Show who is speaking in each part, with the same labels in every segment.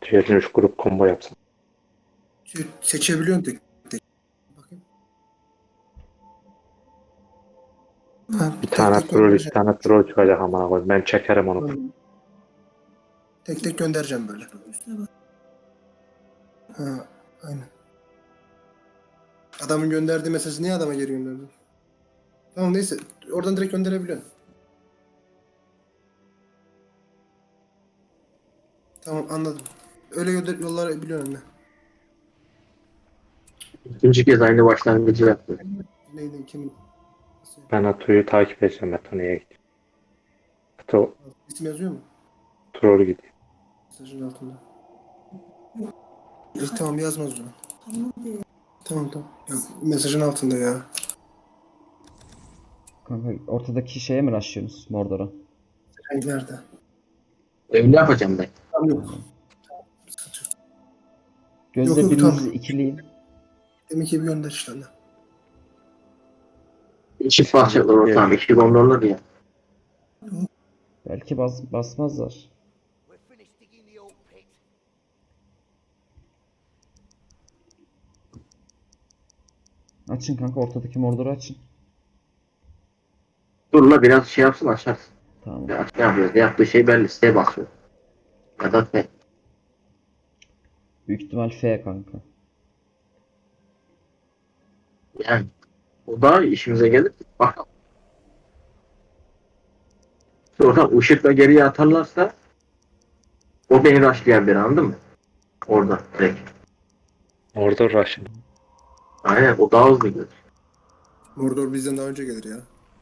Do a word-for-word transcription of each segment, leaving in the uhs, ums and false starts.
Speaker 1: Diğerini üç grup combo yapsın.
Speaker 2: Seçebiliyorsun tek tek. Bakayım. Ha,
Speaker 1: Bir
Speaker 2: tek
Speaker 1: tane
Speaker 2: tek
Speaker 1: troll, iki
Speaker 2: göndereceğim.
Speaker 1: tane troll çıkacak amına koyayım. Ben çekerim onu.
Speaker 2: Tek tek göndereceğim böyle. Ha, aynen. Adamın gönderdiği mesajı niye adama geri gönderdin? Tamam neyse. Oradan direkt gönderebiliyorsun. Tamam anladım. Öyle gönder yollar biliyorum ne.
Speaker 3: İkinci kez aynı başlangıcı yaptı.
Speaker 2: Neydi kimin? Nasıl?
Speaker 1: Ben Ato'yu takip edeceğim. Ato niye gidiyor? Ato
Speaker 2: İsim yazıyor mu?
Speaker 1: troll gidiyor.
Speaker 2: Mesajın altında. İyi tamam yazmaz o zaman. Tamam tamam. Ya, mesajın altında ya.
Speaker 4: Kanka ortadaki şeye mi rushlıyorsunuz Mordor'a?
Speaker 2: Hangi nerede?
Speaker 3: Öyle yapacağım ben.
Speaker 2: Tamam yok. Sıkıntı yok.
Speaker 4: Gözle
Speaker 2: yok,
Speaker 4: birinizi
Speaker 2: tamam.
Speaker 4: ikileyin.
Speaker 2: Demek ki bir gönder işte anne.
Speaker 3: Çift bahçeler ortam. İki gondollar ya.
Speaker 4: Belki bas, basmazlar. Açın kanka ortadaki Mordor'u açın.
Speaker 3: Dur la biraz şey yapsın açarsın.
Speaker 4: Tamam.
Speaker 3: Ya ne yapıyoruz? Yaptığı şey belli. Siteye basıyor. Ya da ne?
Speaker 4: Büyük ihtimal F kanka.
Speaker 3: Yani o da işimize gelir. Bakalım. Sonra ışıkla geriye atarlarsa o beni rushlayan biri anladın mı? Orada direkt.
Speaker 1: Orada Russian.
Speaker 3: Aynen o daha hızlı gelir.
Speaker 2: Mordor bizden daha önce gelir ya.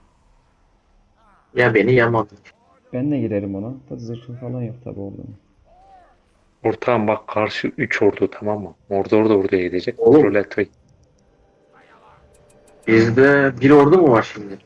Speaker 3: Ya beni yamadı.
Speaker 4: Ben de girerim ona. Tadı zırhı falan yok tabi orada.
Speaker 1: Ortağım bak karşı üç ordu tamam mı? Mordor da oraya gidecek.
Speaker 3: Oğlum.
Speaker 1: Troll Ato.
Speaker 3: Bizde bir ordu mu var şimdi?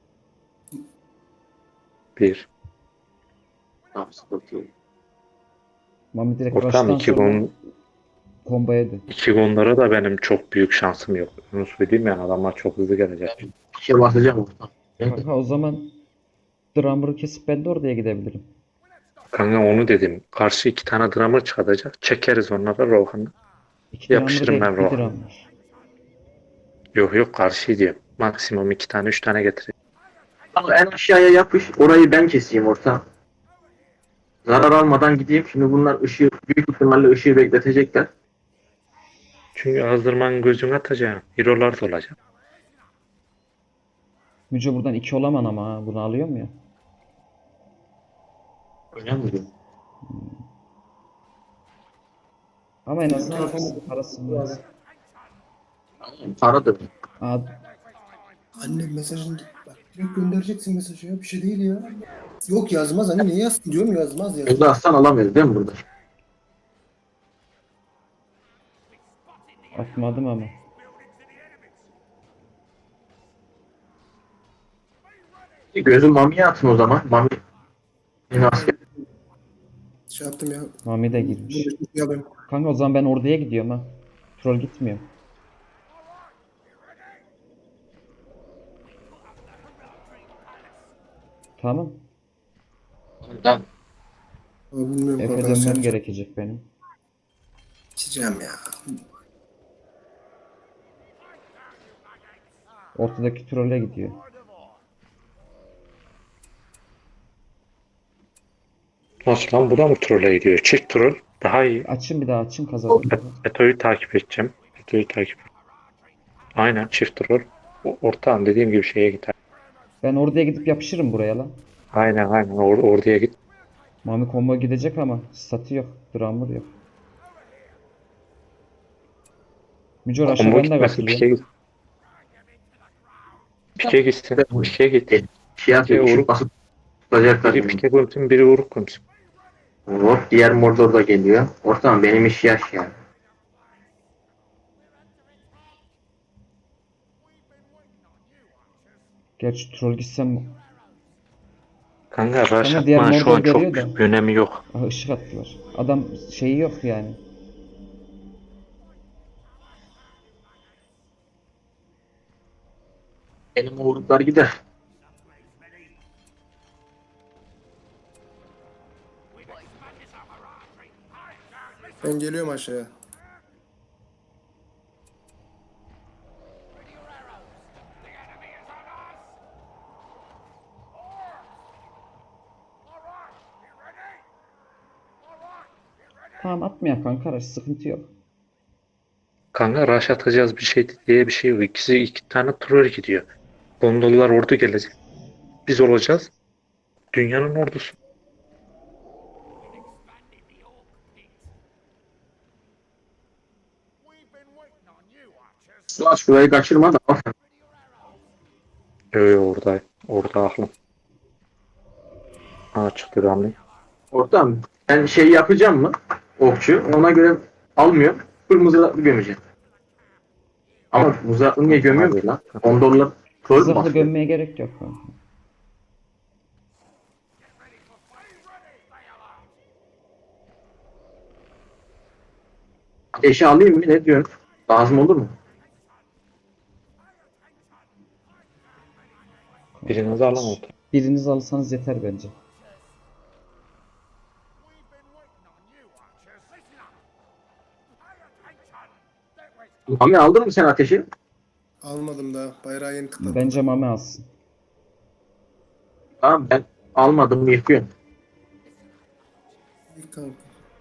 Speaker 1: Bir.
Speaker 3: Tamam sıkıntı yok.
Speaker 4: Mami direkt
Speaker 1: Ortağım
Speaker 4: rush'tan
Speaker 1: iki
Speaker 4: sonra
Speaker 1: gon,
Speaker 4: combo yedi.
Speaker 1: iki gonlara da benim çok büyük şansım yok. Onu söyleyeyim yani adamlar çok hızlı gelecek.
Speaker 3: Bir şey basacağım ortam.
Speaker 4: Kanka o zaman Drummer'ı kesip ben de oraya gidebilirim.
Speaker 1: Kanka onu dedim. Karşı iki tane drummer çıkacak. Çekeriz onlara Rohan'ı.
Speaker 4: İki Drummer
Speaker 1: Yapıştırın
Speaker 4: değil,
Speaker 1: ben
Speaker 4: bir
Speaker 1: Rohan'ı.
Speaker 4: Drummer.
Speaker 1: Yok yok karşı diyorum. Maksimum iki tane üç tane getireyim.
Speaker 3: Al en aşağıya yapış. Orayı ben keseyim orta. Zarar almadan gideyim. Şimdi bunlar ışığı büyük ihtimalle ışığı bekletecekler.
Speaker 1: Çünkü azdırmanın gözünü atacağım. Hero'lar da olacak.
Speaker 4: Müce buradan iki olaman ama ha. Bunu alıyor mu ya?
Speaker 3: Öyle mi diyor?
Speaker 4: Ama en azından parası var.
Speaker 3: Paradır.
Speaker 4: Aa,
Speaker 2: Anne mesajın bak direkt göndereceksin mesajı ya bir şey değil ya. Yok yazmaz anne niye yazsın diyorum yazmaz yazmaz.
Speaker 3: Gözde aslan alamıyoruz değil mi burada?
Speaker 4: atmadım ama.
Speaker 3: Gözü Mami'ye atın o zaman. Mami. Yine asker.
Speaker 2: Şey yaptım ya.
Speaker 4: Mami de girmiş.
Speaker 2: Ya ben
Speaker 4: Kanka o zaman ben orduya gidiyorum ha. Troll gitmiyor. Tamam.
Speaker 3: Ben
Speaker 2: bilmiyorum
Speaker 4: Efe
Speaker 2: korkan
Speaker 4: dönmem
Speaker 2: yapacağım.
Speaker 4: gerekecek benim.
Speaker 2: İçeceğim ya.
Speaker 4: Ortadaki trolle gidiyor.
Speaker 1: Nasıl lan bu da mı trolle gidiyor? Çift troll daha iyi.
Speaker 4: Açın bir daha açın kazanın.
Speaker 1: Eto'yu takip edeceğim. Eto'yu takip Aynen çift troll. O- Ortağım dediğim gibi şeye gider.
Speaker 4: Ben orduya gidip yapışırım buraya lan.
Speaker 1: Aynen aynen or oraya git.
Speaker 4: Mami combo gidecek ama statü yok. Drummer yok. Mücor aşağı
Speaker 1: Combo
Speaker 4: ben de
Speaker 1: gitmesin pike
Speaker 4: katılıyorum.
Speaker 1: git. Pike gitsin. Pike git.
Speaker 3: şey yapıyor.
Speaker 1: Pike
Speaker 3: Işık
Speaker 1: vuruk.
Speaker 3: basıp tutacaklar.
Speaker 1: Biri pike gömsün biri vuruk gömsün.
Speaker 3: Hop diğer Mordor da geliyor. Ortam benim iş yaş ya.
Speaker 4: Gerçi troll gitsem...
Speaker 1: Kanka rush
Speaker 4: Kanka diğer
Speaker 1: atmanın şu
Speaker 4: Mordor
Speaker 1: an çok
Speaker 4: geliyor da.
Speaker 1: büyük bir önemi yok.
Speaker 4: Aha ışık attılar. Adam şeyi yok yani.
Speaker 3: Benim uğurluklar gider.
Speaker 2: Ben geliyorum aşağıya.
Speaker 4: Tamam atmaya kanka araç sıkıntı yok.
Speaker 1: Kanka rush atacağız bir şey diye bir şey yok. İkisi iki tane troll gidiyor. Gondollar ordu gelecek. Biz olacağız. Dünyanın ordusu.
Speaker 3: Ulan şurayı kaçırma da.
Speaker 1: Yo yo orada. Orada aklım. Ha çıktı Gamli.
Speaker 3: Ortam ben şey yapacağım mı? Okçu. Ona göre almıyorum. Full mızraklı gömeceğim. Ama mızraklı niye gömüyorum ki lan? on dolar troll mü
Speaker 4: Zırhlı
Speaker 3: basıyor?
Speaker 4: gömmeye gerek yok kanka.
Speaker 3: Ateşi alayım mı? Ne diyorsun? Lazım olur mu?
Speaker 1: Birinizi alamadı.
Speaker 4: Biriniz alırsanız yeter bence.
Speaker 3: Mami aldın mı sen ateşi?
Speaker 2: Almadım daha. Bayrağı yeni tıkladım.
Speaker 4: Bence Mame alsın.
Speaker 3: Tamam ben almadım yıkıyorum.
Speaker 2: İlk kanka.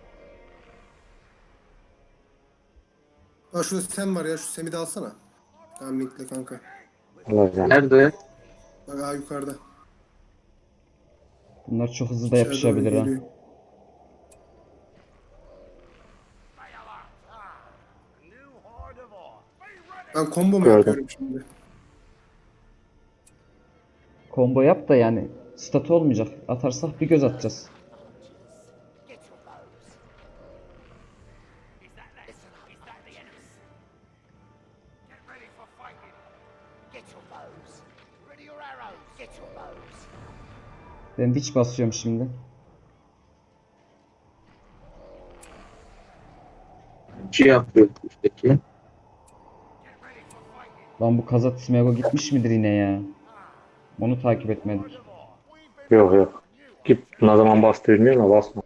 Speaker 2: Aa şurada Sem var ya. Şu Sem'i de alsana. Tamam linkle kanka.
Speaker 1: Alacağım.
Speaker 3: Nerede?
Speaker 2: Bak aa yukarıda.
Speaker 4: Bunlar çok hızlı da
Speaker 2: İçeri doğru
Speaker 4: yapışabilir ha.
Speaker 2: geliyor. Ben combo mu
Speaker 1: Gördüm.
Speaker 2: yapıyorum şimdi?
Speaker 4: Combo yap da yani statü olmayacak. Atarsak bir göz atacağız. Ben witch basıyorum şimdi.
Speaker 3: Şey yapıyor üstteki.
Speaker 4: Lan bu Kazat Smego gitmiş midir yine ya? Onu takip etmedik.
Speaker 1: Yok yok. Git ne zaman bastı bilmiyorum ama basma.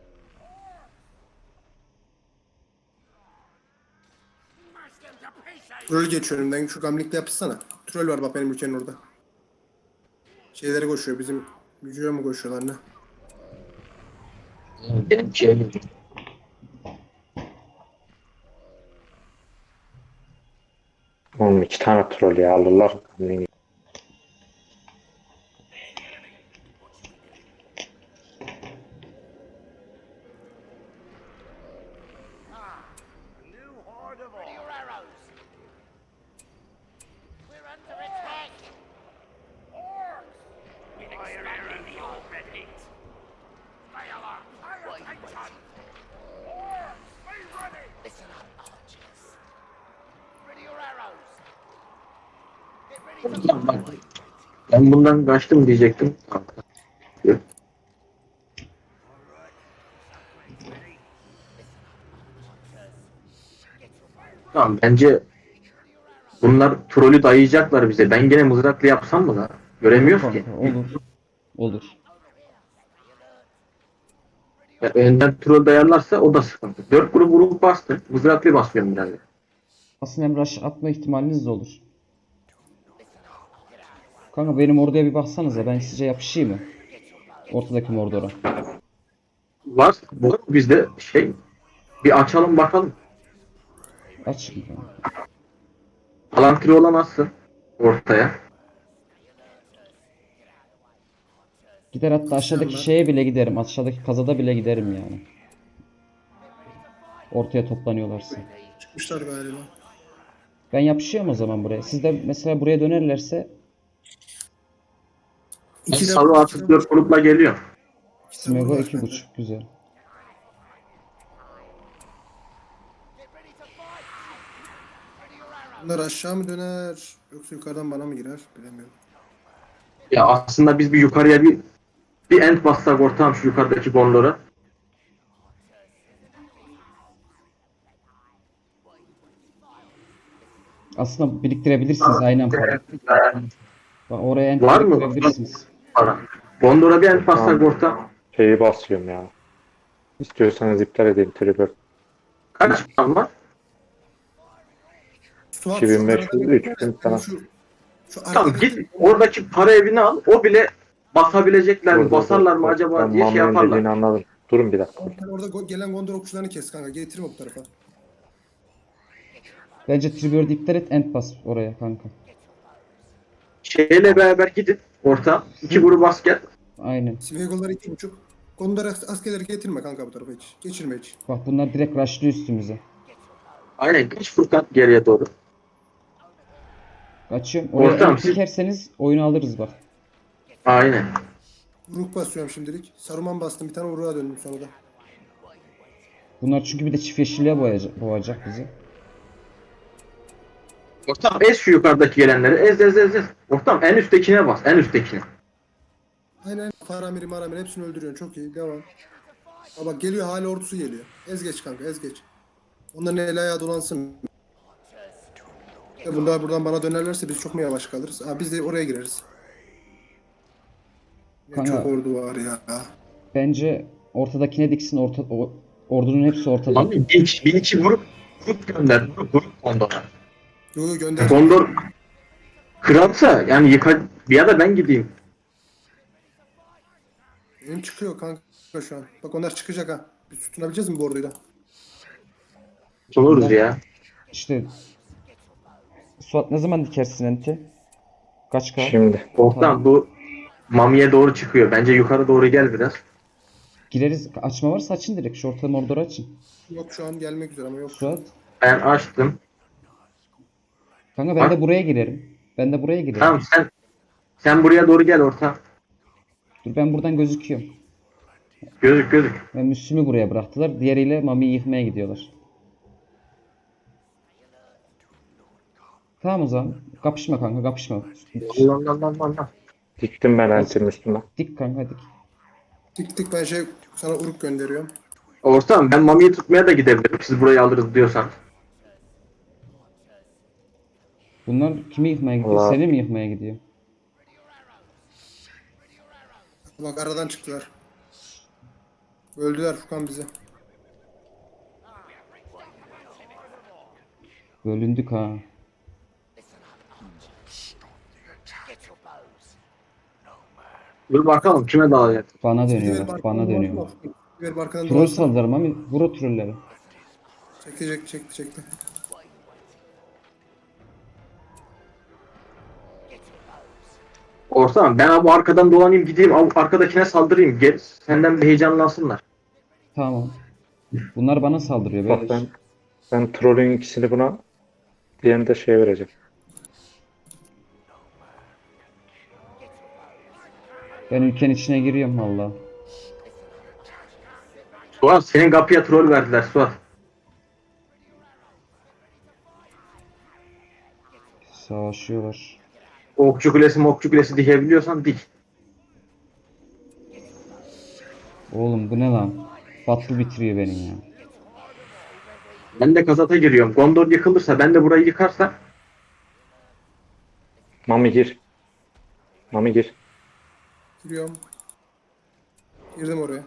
Speaker 2: Troll geçiyor önümden. Şu gamlikle yapışsana. Troll var bak benim ülkenin orada. Şeyleri koşuyor. Bizim gücüye mi koşuyorlar ne?
Speaker 3: Benim şey
Speaker 1: Oğlum iki tane troll ya alırlar. Gamli'yi.
Speaker 3: Ben bundan kaçtım diyecektim. Yok. Tamam bence bunlar trolü dayayacaklar bize. Ben gene mızraklı yapsam mı lan? Göremiyoruz ki.
Speaker 4: Kanka, olur. Olur.
Speaker 3: Ya, önden troll dayarlarsa o da sıkıntı. Dört grup vurup bastı. Mızraklı basıyorum biraz.
Speaker 4: Aslında hem rush atma ihtimaliniz de olur. Kanka benim orduya bir baksanıza, ben size yapışayım mı? Ortadaki Mordor'a.
Speaker 3: Var. Bu bizde şey bir açalım bakalım.
Speaker 4: Aç şimdi kanka.
Speaker 3: Palantri olamazsın ortaya.
Speaker 4: Gider hatta aşağıdaki
Speaker 2: Sen
Speaker 4: şeye bile giderim. Aşağıdaki kazada bile giderim yani. Ortaya toplanıyorlarsa.
Speaker 2: Çıkmışlar galiba.
Speaker 4: Ben yapışıyorum o zaman buraya. Siz de mesela buraya dönerlerse
Speaker 3: Ben
Speaker 2: İki de
Speaker 3: salı atıp dört grupla geliyor.
Speaker 4: Smego iki buçuk güzel.
Speaker 2: Bunlar aşağı mı döner yoksa yukarıdan bana mı girer bilemiyorum.
Speaker 3: Ya aslında biz bir yukarıya bir bir end bassak ortam şu yukarıdaki gondora.
Speaker 4: Aslında biriktirebilirsiniz aynen para. Bak oraya en
Speaker 3: Var mı?
Speaker 4: biriktirebilirsiniz.
Speaker 3: Para. Gondora bir end bassak
Speaker 1: Tamam.
Speaker 3: ortam.
Speaker 1: Şeyi basıyorum ya. İstiyorsanız iptal edeyim trigger.
Speaker 3: Kaç puan var?
Speaker 2: Suat,
Speaker 1: iki bin
Speaker 2: şu
Speaker 1: beş
Speaker 2: arada
Speaker 1: yüz,
Speaker 2: bir-
Speaker 1: üç bin falan.
Speaker 2: Şu, şu
Speaker 3: Tamam
Speaker 2: arkadaki
Speaker 3: git oradaki para evini al. O bile basabilecekler
Speaker 1: Dur
Speaker 3: mi,
Speaker 1: dur dur.
Speaker 3: basarlar mı
Speaker 1: dur.
Speaker 3: acaba
Speaker 1: Ben
Speaker 3: diye şey
Speaker 1: Mami'nin dediğini
Speaker 3: yaparlar.
Speaker 1: anladım. Durun bir dakika.
Speaker 2: Sen orada go- gelen Gondor okçularını kes kanka. Getirme bu tarafa.
Speaker 4: Bence Trigger'ı iptal et, end bas oraya kanka.
Speaker 3: Şeyle beraber gidin orta. iki grup asker.
Speaker 4: Aynen.
Speaker 2: Smeagol'ları iki buçuk. Gondor as- askerleri getirme kanka bu tarafa hiç. Geçirme hiç.
Speaker 4: Bak bunlar direkt rushlıyor üstümüze.
Speaker 3: Aynen geç Furkan geriye doğru.
Speaker 4: Kaçıyorum. Oraya
Speaker 3: Ortam,
Speaker 4: end
Speaker 3: siz-
Speaker 4: dikerseniz oyunu alırız bak.
Speaker 3: Aynen.
Speaker 2: Uruk basıyorum şimdilik. Saruman bastım. Bir tane Uruk'a döndüm sonra da.
Speaker 4: Bunlar çünkü bir de çift yeşilliğe boyayacak, boğacak bizi.
Speaker 3: Ortam ez şu yukarıdaki gelenleri. Ez ez ez ez. Ortam en üsttekine bas. En üsttekine.
Speaker 2: Aynen. Faramiri maramiri hepsini öldürüyorsun. Çok iyi. Devam. Aa bak geliyor. Hala ordusu geliyor. Ez geç kanka. Ez geç. Onların el ayağı dolansın. Ya bunlar buradan bana dönerlerse biz çok mu yavaş kalırız? Aa, biz de oraya gireriz. Ne
Speaker 4: Kanka.
Speaker 2: çok ordu var ya.
Speaker 4: Bence ortadakine diksin, orta, o, ordunun hepsi ortada.
Speaker 3: Tamam mı? Bir iki, bir iki grup grup gönder. Grup grup Gondor'a.
Speaker 2: Yo yo gönder.
Speaker 3: Gondor kralsa yani yıka ya da ben gideyim.
Speaker 2: Benim çıkıyor kanka şu an. Bak onlar çıkacak ha. Biz tutunabileceğiz mi bu orduyla?
Speaker 3: Oluruz ya.
Speaker 4: İşte Suat ne zaman dikersin enti? Kaç K?
Speaker 1: Şimdi.
Speaker 3: Ortam bu Mami'ye doğru çıkıyor. Bence yukarı doğru gel biraz.
Speaker 4: Gireriz. Açma varsa açın direkt. Şu orta moridoru açın.
Speaker 2: Yok şu an gelmek üzere ama yok.
Speaker 4: Suat.
Speaker 3: Ben açtım.
Speaker 4: Kanka ben
Speaker 3: Bak.
Speaker 4: de buraya girerim. Ben de buraya girerim.
Speaker 3: Tamam sen sen buraya doğru gel orta.
Speaker 4: Dur ben buradan gözüküyorum.
Speaker 3: Gözük gözük.
Speaker 4: Ve Müslüm'ü buraya bıraktılar. Diğeriyle Mami'yi yıkmaya gidiyorlar. Tamam o zaman. Kapışma kanka kapışma.
Speaker 3: Allah Allah Allah Allah.
Speaker 1: Diktim ben Enter'in üstüne.
Speaker 4: Dik kanka dik.
Speaker 2: Dik dik ben şey sana Uruk gönderiyorum.
Speaker 3: Ortam ben Mami'yi tutmaya da gidebilirim. Siz burayı alırız diyorsan.
Speaker 4: Bunlar kimi yıkmaya gidiyor?
Speaker 1: Allah.
Speaker 4: Seni mi yıkmaya gidiyor?
Speaker 2: Bak aradan çıktılar. Öldüler Furkan bizi.
Speaker 4: Bölündük ha.
Speaker 3: Dur bakalım kime dağılacak.
Speaker 4: Bana
Speaker 2: Ver
Speaker 4: dönüyorlar.
Speaker 2: barkanın
Speaker 4: Bana
Speaker 2: dolaşma.
Speaker 4: dönüyorlar.
Speaker 2: Ver barkanın
Speaker 4: Troll
Speaker 2: dolaşma.
Speaker 4: saldılar Mami. Vur o trolleri.
Speaker 2: Çekti çekti çekti çekti.
Speaker 3: Ortam ben bu arkadan dolanayım gideyim av- arkadakine saldırayım. Gel, senden bir heyecanlansınlar.
Speaker 4: Tamam. Bunlar bana saldırıyor.
Speaker 1: Bak
Speaker 4: Böyle
Speaker 1: ben ben trollün ikisini buna, diğerini de şeye vereceğim.
Speaker 4: ben ülkenin içine giriyorum valla.
Speaker 3: Suat senin kapıya troll verdiler Suat.
Speaker 4: Savaşıyorlar.
Speaker 3: Okçu kulesi mokçu kulesi dikebiliyorsan dik.
Speaker 4: Oğlum bu ne lan? Batlı bitiriyor benim ya.
Speaker 3: Ben de kazata giriyorum. Gondor yıkılırsa ben de burayı yıkarsam
Speaker 1: Mami gir. Mami gir.
Speaker 2: Giriyorum. Girdim oraya.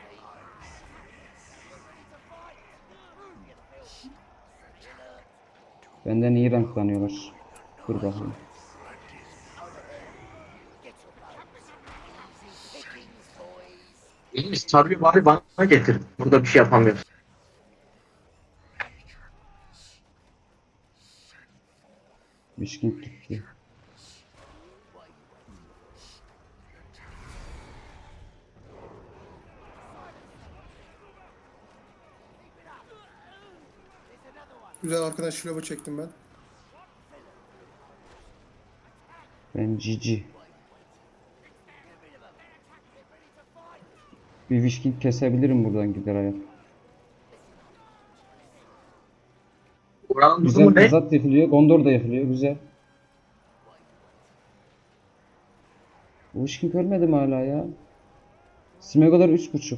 Speaker 4: Benden iyi ranklanıyorlar. Dur bakayım.
Speaker 3: Sarbi bari bana getir. Burada bir şey yapamıyoruz.
Speaker 4: Mişkin gitti.
Speaker 2: Güzel arkadan şilova çektim ben.
Speaker 4: Ben cici. Bir Wishking kesebilirim buradan gider ayak.
Speaker 3: Buranın
Speaker 4: Güzel
Speaker 3: durumu ne?
Speaker 4: Kazat yıkılıyor. Gondor da yıkılıyor. Güzel. Bu Wishking ölmedi mi hala ya? Smeagol'lar üç buçuk.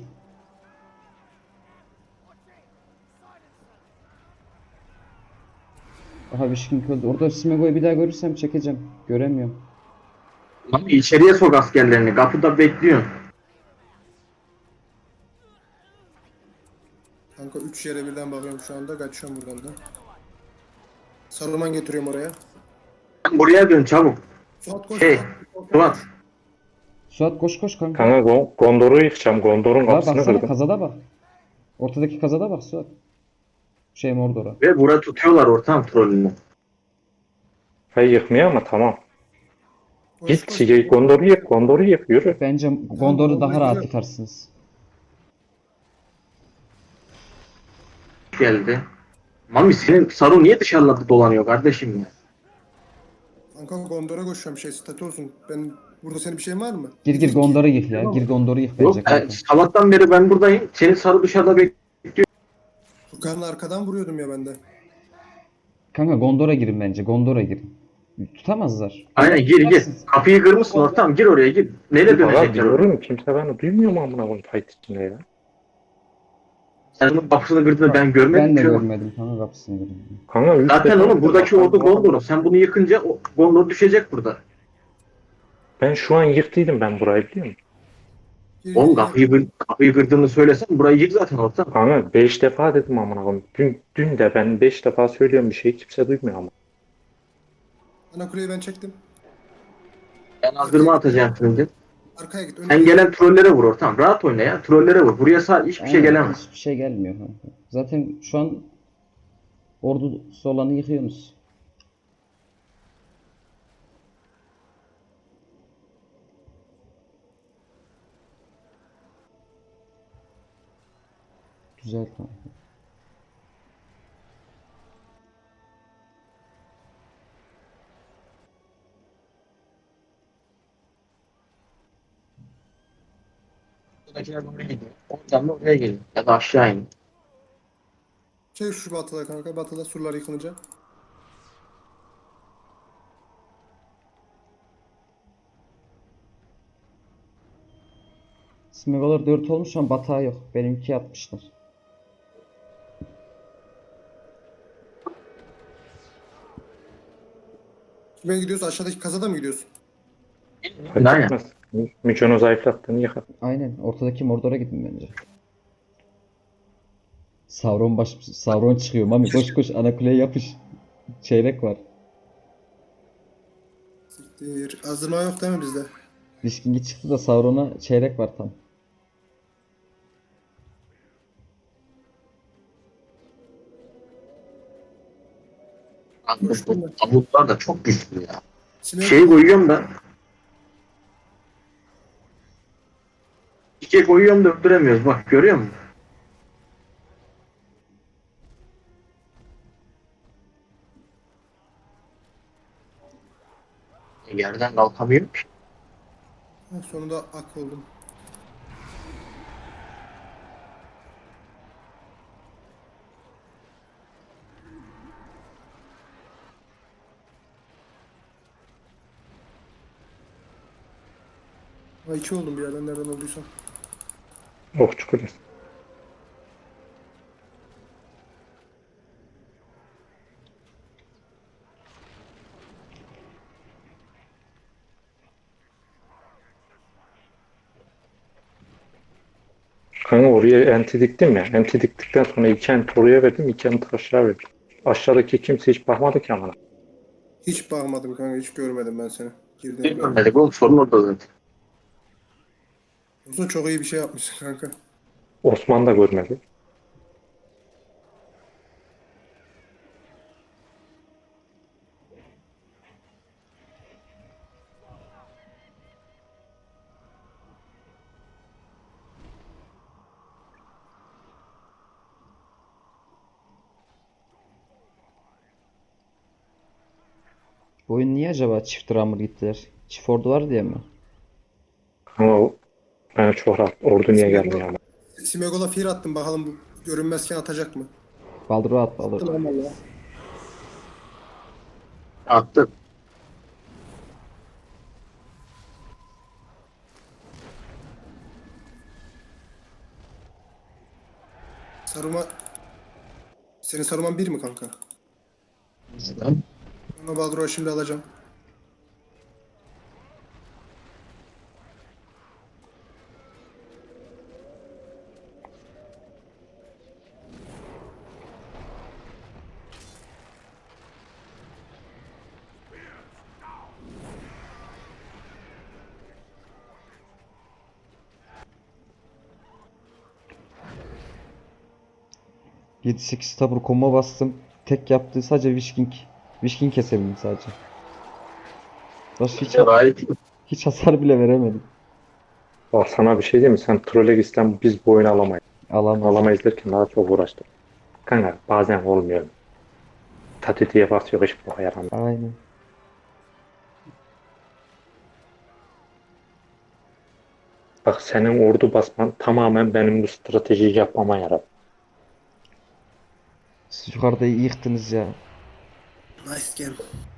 Speaker 4: Aha Wishking öldü. Orada Smeagol'u bir daha görürsem çekeceğim. Göremiyorum.
Speaker 3: Lan içeriye sok askerlerini. Kapıda bekliyor.
Speaker 2: Kanka üç Üç yere birden bakıyorum şu anda. Kaçıyorum buradan da. Saruman getiriyorum oraya.
Speaker 3: Buraya dön çabuk.
Speaker 2: Suat koş.
Speaker 3: Şey,
Speaker 2: Suat.
Speaker 3: Suat.
Speaker 2: Koş.
Speaker 4: Suat koş koş kanka.
Speaker 1: Kanka Go- Gondor'u yıkacağım. Gondor'un
Speaker 4: La
Speaker 1: kapısını
Speaker 4: baksana
Speaker 1: kırdım.
Speaker 4: kazada bak. Ortadaki kazada bak Suat. Şey Mordor'a.
Speaker 3: Ve bura tutuyorlar ortam trollünü.
Speaker 1: Hayır yıkmıyor ama tamam.
Speaker 2: Koş,
Speaker 1: Git
Speaker 2: koş.
Speaker 1: şey, Gondor'u yık. Gondor'u yık. Yürü.
Speaker 4: Bence Gondor'u daha rahat yıkarsınız.
Speaker 3: Geldi. Mami senin Saru niye dışarıda dolanıyor kardeşim ya?
Speaker 2: Kanka Gondor'a koşuyorum şey statü olsun. Ben burada senin bir şeyin var mı?
Speaker 4: Gir gir
Speaker 2: İki-
Speaker 4: Gondor'u yık ya. Gir Gondor'u yık bence
Speaker 3: Yok, e,
Speaker 4: kanka.
Speaker 3: sabahtan beri ben buradayım. Senin Saru dışarıda bekliyor.
Speaker 2: Furkan'la arkadan vuruyordum ya ben de.
Speaker 4: Kanka Gondor'a girin bence. Gondor'a girin. Tutamazlar.
Speaker 3: Aynen gir gir. Kapıyı kırmışsın ortam. Gir oraya gir. Neyle
Speaker 1: Valla
Speaker 3: dönecekler oraya?
Speaker 1: diyorum, kimse beni duymuyor mu amına koyayım fight içinde ya?
Speaker 3: Sen onun kapısını kırdığını ben görmedim
Speaker 4: Ben de
Speaker 3: ki.
Speaker 4: görmedim kanka kapısını girin.
Speaker 1: Kanka üç
Speaker 3: Zaten
Speaker 1: defa
Speaker 3: oğlum buradaki
Speaker 1: baktım,
Speaker 3: ordu
Speaker 1: baktım.
Speaker 3: Gondor'un. Sen bunu yıkınca o Gondor düşecek burada.
Speaker 1: Ben şu an yıktıydım ben burayı, biliyor musun?
Speaker 2: Gir,
Speaker 3: Oğlum
Speaker 2: gir,
Speaker 3: kapıyı, kır, kapıyı kırdığını söylesen burayı yık zaten ortam.
Speaker 1: Kanka beş defa dedim amına koyayım. Dün, dün de ben beş defa söylüyorum bir şeyi, kimse duymuyor ama.
Speaker 2: Ana kuleyi ben çektim.
Speaker 3: Ben azdırma atacağım şimdi.
Speaker 2: Arkaya git. Önüne
Speaker 3: Sen
Speaker 2: git.
Speaker 3: gelen trollere vur ortam. Rahat oyna ya. Trollere vur. Buraya sağ hiçbir şey
Speaker 4: Aynen,
Speaker 3: gelemez.
Speaker 4: hiçbir şey gelmiyor kanka. Zaten şu an ordusu olanı yıkıyorsunuz. Güzel kanka.
Speaker 3: Buradakiler oraya gidiyor. Oradan da oraya geliyor. Ya da aşağı in.
Speaker 2: Çek şu batıda kanka. Batıda surlar yıkılınca.
Speaker 4: Smegolar dört olmuş ama batağı yok. Benimki yapmışlar.
Speaker 2: Kime gidiyoruz? Aşağıdaki kazada mı gidiyorsun?
Speaker 1: Fark
Speaker 3: Aynen.
Speaker 1: etmez. Mücon'u zayıflattığını yıkar.
Speaker 4: Aynen. Ortadaki Mordor'a gidin bence. Sauron baş Sauron çıkıyor. Mami koş koş ana kuleye yapış. Çeyrek var.
Speaker 2: Siktir. Azdırma yok değil mi bizde?
Speaker 4: Diskingi çıktı da Sauron'a çeyrek var tam.
Speaker 2: Koştum ben.
Speaker 3: Tabutlar da çok güçlü ya.
Speaker 2: Sinek
Speaker 3: Şey koyuyorum da çiçek koyuyorum da öldüremiyoruz. Bak görüyor musun? Yerden kalkamıyorum ki.
Speaker 2: Ha, sonunda ak oldum. Ha iki oldum bir yerden nereden olduysam.
Speaker 1: Okçu kulesi. Kanka oraya enti diktim ya. Enti diktikten sonra iki enti oraya verdim, iki enti aşağı verdim. Aşağıdaki kimse hiç bakmadı ki amına.
Speaker 2: Hiç bakmadım kanka. Hiç görmedim ben seni. Girdiğini
Speaker 3: Bilmiyorum
Speaker 2: görmedim.
Speaker 3: dedik oğlum sorun orada zaten.
Speaker 2: Olsun çok iyi bir şey yapmışsın kanka.
Speaker 1: Osman da görmedi.
Speaker 4: Bu oyun niye acaba çift ramır gittiler? Çift ordu var diye mi?
Speaker 1: Ama o bana çok rahat. Ordu niye gelmiyor ama.
Speaker 2: Simegol'a fear attım bakalım bu görünmezken atacak mı?
Speaker 4: Baldur'a at Baldur.
Speaker 2: Tamam ya.
Speaker 3: Attı.
Speaker 2: Saruma... Senin saruman bir mi kanka? Ama Baldur'a şimdi alacağım.
Speaker 4: yedi sekiz tabur combo bastım. Tek yaptığı sadece Wishking. Wishking kesebildim sadece. Başka hiç,
Speaker 3: Gayet iyi.
Speaker 4: hiç hasar bile veremedim.
Speaker 1: Bak sana bir şey diyeyim mi? Sen trole gitsen biz bu oyunu alamayız.
Speaker 4: Alamaz.
Speaker 1: Alamayız derken daha çok uğraştık. Kanka bazen olmuyor. Tatiti yaparsa yok hiç boka yaramıyor.
Speaker 4: Aynen.
Speaker 1: Bak senin ordu basman tamamen benim bu stratejiyi yapmama yaradı.
Speaker 4: Siz yukarıda iyi yıktınız ya.
Speaker 2: Nice game.